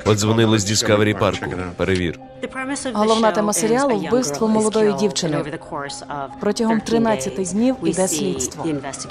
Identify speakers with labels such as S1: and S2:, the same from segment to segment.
S1: От дзвонили з Discovery парку. Перевір.
S2: Головна тема серіалу – вбивство молодої дівчини. Протягом 13 днів іде слідство.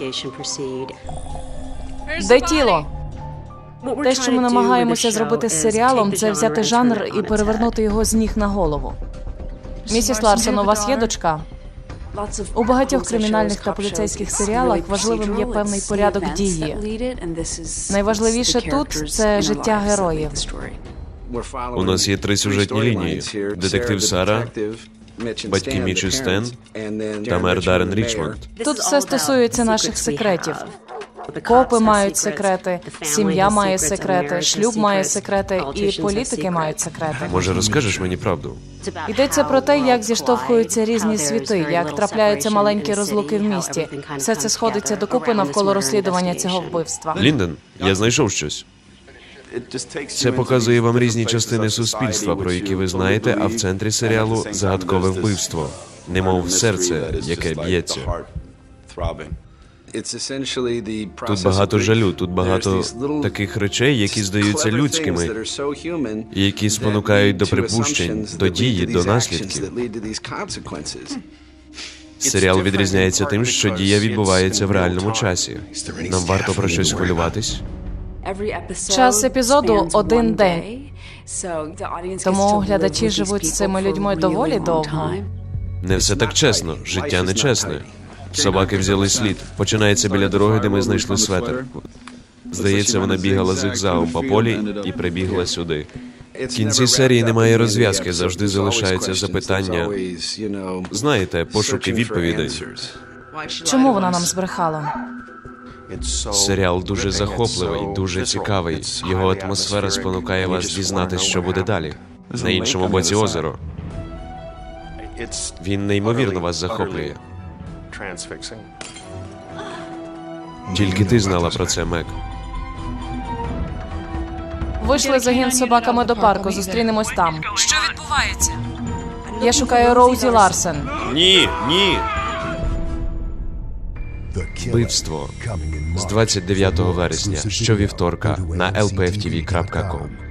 S2: Де тіло? Те, що ми намагаємося зробити з серіалом, це взяти жанр і перевернути його з ніг на голову. Місіс Ларсон, у вас є дочка? У багатьох кримінальних та поліцейських серіалах важливим є певний порядок дії. Найважливіше тут – це життя героїв.
S1: У нас є 3 сюжетні лінії. Детектив Сара, батьки Міч і Стен та мер Даррен Річмонд.
S2: Тут все стосується наших секретів. Копи мають секрети, сім'я має секрети, шлюб має секрети і політики мають секрети.
S1: Може, розкажеш мені правду?
S2: Йдеться про те, як зіштовхуються різні світи, як трапляються маленькі розлуки в місті. Все це сходиться докупи навколо розслідування цього вбивства.
S1: Лінден, я знайшов щось. Це показує вам різні частини суспільства, про які ви знаєте, а в центрі серіалу – загадкове вбивство. Немов серце, яке б'ється. Тут багато жалю, тут багато таких речей, які здаються людськими, і які спонукають до припущень, до дії, до наслідків. Серіал відрізняється тим, що дія відбувається в реальному часі. Нам варто про щось хвилюватись?
S2: Час епізоду – 1 день. Тому глядачі живуть з цими людьми доволі довго.
S1: Не все так чесно, життя нечесне. Собаки взяли слід. Починається біля дороги, де ми знайшли светр. Здається, вона бігала зигзагом по полі і прибігла сюди. В кінці серії немає розв'язки, завжди залишаються запитання. Знаєте, пошуки відповідей.
S2: Чому вона нам збрехала?
S1: Серіал дуже захопливий, дуже цікавий. Його атмосфера спонукає вас дізнатись, що буде далі. На іншому боці озеро. Він неймовірно вас захоплює. Тільки ти знала про це, Мек.
S2: Вийшли загін з собаками до парку, зустрінемось там. Що відбувається? Я шукаю Роузі Ларсен.
S1: Ні, ні! Вбивство з 29 вересня щовівторка на lpftv.com.